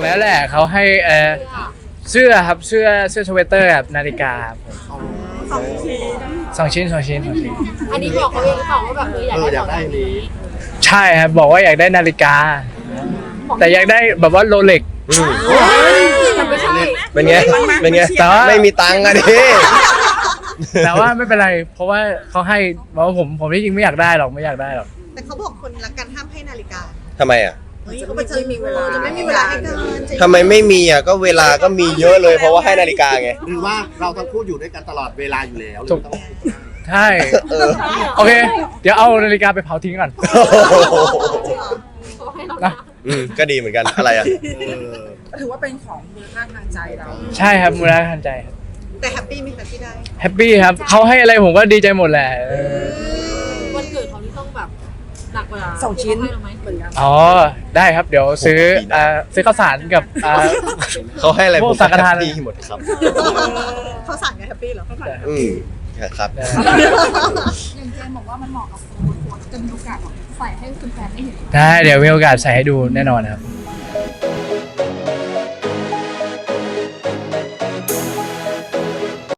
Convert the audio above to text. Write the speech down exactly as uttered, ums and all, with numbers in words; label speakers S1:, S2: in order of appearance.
S1: แล้วแหละเขาให้เออเสื้อครับเสื้อเสื้อสเวตเตอร์แบบนาฬิกาครับผม
S2: สองชิ้น
S1: สองชิ้นสองชิ้นสองชิ้น
S2: อันนี้บอกเขาเองหรือเปล่าว่าแบบเอออยาก
S3: เออ
S2: ได้
S3: อยากได้อันนี้
S1: ใช่ครับบอกว่าอยากได้นาฬิกา แต่อยากได้แบบว่าโรเล็ก
S4: อืม
S2: มันไม่ใช่
S4: เป็นไงเป็นไง
S1: แต่ว่า
S4: ไม่มีตังค์อะดิ
S1: แต่ว่าไม่เป็นไร เพราะว่าเขาให้บอกว่าผมผมที่จริงไม่อยากได้หรอกไม่อยากได้หรอก
S5: แต่เขาบอกคนรักกันห้ามให้นาฬิกา
S4: ทำไมอ่ะ
S5: เฮ้ยเขาไปเจอมีเวลาจะไม่มีเวลาให้กันจะ
S4: ทำไมไม่มีอ่ะก็เวลาก็มีเยอะเลยเพราะว่าให้นาฬิกาไง
S3: หรือว่าเราทั้งคู่อยู่ด้วยกันตลอดเวลาอยู่แล้วหรือ
S1: ถูก
S3: ต้อง
S1: ใช่
S4: เออ
S1: โอเค เดี๋ยวเอานาฬิกาไปเผาทิ้งก่อนนะ
S4: อืมก็ดีเหมือนกันอะไรอ่ะ
S3: เออ
S6: ถือว่าเป็นของมูลค่าทางใจเรา
S1: ใช่ครับมูลค่าทางใจครับ
S5: แต่แฮปปี้ไหมคะที่ได้
S1: แฮปปี้ครับเขาให้อะไรผมก็ดีใจหมดแหละเออ
S2: วันเกิดเขาที่ต้องแบบหนักกว่า
S6: สองชิ้น
S2: ที่เขาให้เราไหม
S6: เหมือนกัน
S1: อ๋อได้ครับเดี๋ยวซื้ออ่าซื้อข้าวสารกับอ่า
S4: เขาให้อะไร
S1: พวก
S4: ผม
S1: สังฆทาน
S4: ดีหมดครับ
S5: เขาสั่งไงแฮปปี้เหรอ
S4: อืมครับ
S7: อย่างเจมบอกว่ามันเหมาะกับโค้ชโค้ชจะมีโอกาสแบบใส่ให้คุณแฟนได้เห็น
S1: ได้เดี๋ยวมีโอกาสใส่ให้ดูแน่นอนครับ